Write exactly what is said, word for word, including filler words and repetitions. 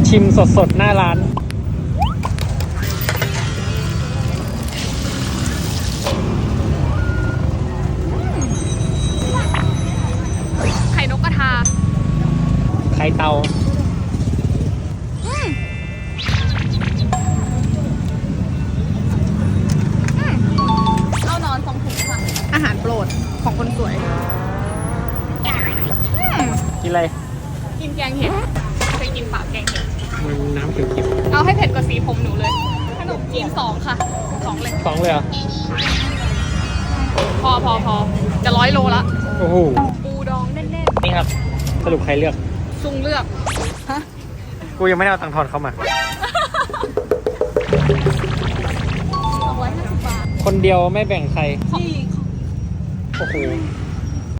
ชิมสดๆหน้าร้านไข่นกกระทาไข่เตาเอานอนสองถุงค่ะ อาหารโปรดของคนสวยกินอะไรกินแกงเห็ดเคยกินปากแกงเห็ดมันน้ำเขียวเอาให้เผ็ดกว่าสีผมหนูเลย ขนมจีนสองค่ะสองเลยๆสองเลยเหรอพอพอพอจะร้อยโลละโอ้โหปูดองแน่นนี่ครับ สรุปใครเลือกๆซุงเลือก ฮะกูยังไม่ได้เอาตังค์ทอนเข้ามาสองร้อยห้าสิบบาทคนเดียวไม่แบ่งใครที่โอ้โห